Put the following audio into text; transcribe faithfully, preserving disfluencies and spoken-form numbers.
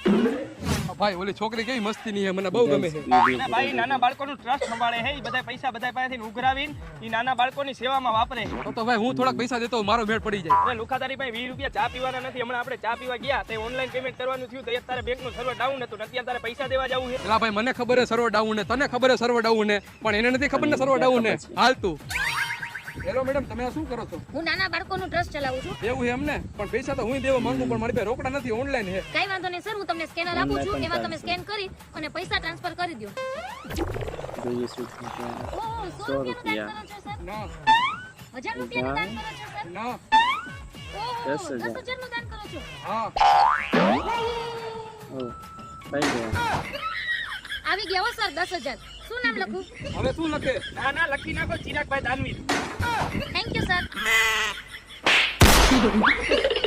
ભાઈ ઓલી છોકરી કેવી મસ્તી ની છે, મને બહુ ગમે છે. અને ભાઈ નાના બાળકોનું ટ્રસ્ટ સંભાળે છે, ઈ બધા પૈસા બધા પાસેથી ઉઘરાવીને ઈ નાના બાળકોની સેવામાં વાપરે છે. તો તો ભાઈ હું થોડાક પૈસા દેતો મારો ભેટ પડી જાય. અરે લુખાતારી ભાઈ વીસ રૂપિયા ચા પીવાના નથી. હમણાં આપણે ચા પીવા ગયા તે ઓનલાઈન પેમેન્ટ કરવાનું થયું તો તારે બેંકનું સર્વર ડાઉન હતું, અત્યારે તારે પૈસા દેવા જવું છે. એલા ભાઈ મને ખબર છે સર્વર ડાઉન ને, તને ખબર છે સર્વર ડાઉન ને, પણ એને નથી ખબર ને સર્વર ડાઉન ને. હાલ તું. હેલો મેડમ, તમે આ શું કરો છો? હું નાના બાળકોનું ટ્રસ્ટ ચલાવું છું. એવું છે એમને? પણ પૈસા તો હું દેવા માંગુ, પણ મારી પાસે રોકડા નથી, ઓનલાઈન છે. કઈ વાંધો નહીં સર, હું તમને સ્કેનર આપું છું, એમાં તમે સ્કેન કરી અને પૈસા ટ્રાન્સફર કરી દો. જોઈએ શું છે. ઓહ, સો રૂપિયાનું દાન કરો છો સર? ના હજાર રૂપિયાનું દાન કરો છો સર? ના. ઓહ, દસ દસ હજાર. હજારનું દાન કરો છો? હા. ઓ થઈ ગયા. આવી ગયા હો સર દસ હજાર. શું નામ લખું? હવે શું લખે? ના ના લખી નાખો ચિરાગભાઈ દાનવીર. Thank you sir.